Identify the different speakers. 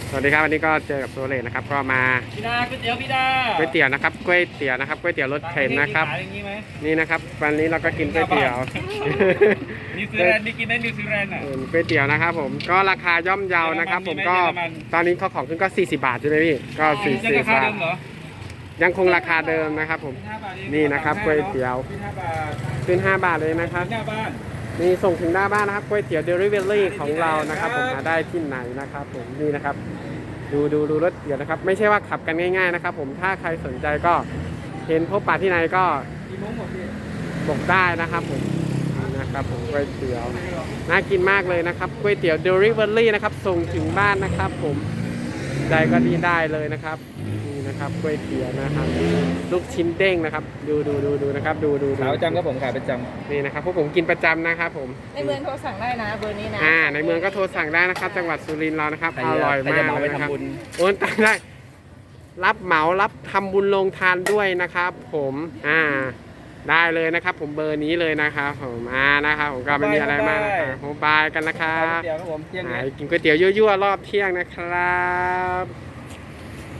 Speaker 1: สวัสดีครับวันนี้ก็เจอกับโซเลตนะครับก็มา
Speaker 2: พี่ดาก๋วยเตี๋ยวพี่ดา
Speaker 1: ก๋วยเตี๋ยวนะครับก๋วยเตี๋ยวนะครับก๋วยเตี๋ยวรสเข็นนะครับนี่นะครับวันนี้เราก็กินก๋วยเตี๋ยว
Speaker 2: นิวซีแลนด์นี่กินได้นิวซีแลนด์อ่ะ
Speaker 1: ก๋วยเตี๋ยวนะครับผมก็ราคาย่อมเยานะครับผมก็ตอนนี้เขาของขึ้นก็40 บาทใช่ไหมพี่ก็40 บาทยังคงราคาเดิมนะครับผมนี่นะครับก๋วยเตี๋ยวขึ้น5 บาทเลยนะครับนี่ส่งถึงหน้าบ้านนะครับก๋วยเตี๋ยวเดลิเวอรี่ของเรานะครับผมมาได้ที่ไหนนะครับผมนี่นะครับดูรถเตี๋ยวนะครับไม่ใช่ว่าขับกันง่ายๆนะครับผมถ้าใครสนใจก็เห็นพบปะที่ไหนก็บอกได้นะครับผมนะครับผมก๋วยเตี๋ยวน่ากินมากเลยนะครับก๋วยเตี๋ยวเดลิเวอรี่นะครับส่งถึงบ้านนะครับผมใดก็ดีได้เลยนะครับนี่นะครับก๋วยเตี๋ยวนะครับลูกชิ้นเด้งนะครับดูนะครับดู
Speaker 2: ขายประจำครับผมขายประจำ
Speaker 1: นี่นะครับพวกผมกินประจำนะครับผม
Speaker 3: ในเมืองโทรสั่งได้นะเบอร์นี้นะ
Speaker 1: ในเมืองก็โทรสั่งได้นะครับจังหวัดสุรินทร์เรานะครับอร่อยมากเลยนะครับโอนตังได้รับเหมารับทำบุญลงทานด้วยนะครับผมได้เลยนะครับผมเบอร์นี้เลยนะครับผมนะครับผมก็ไม่มีอะไรมากนะครับโมบายกันนะครับกินก๋วยเตี๋ยวยั่วๆรอบเที่ยงนะครับ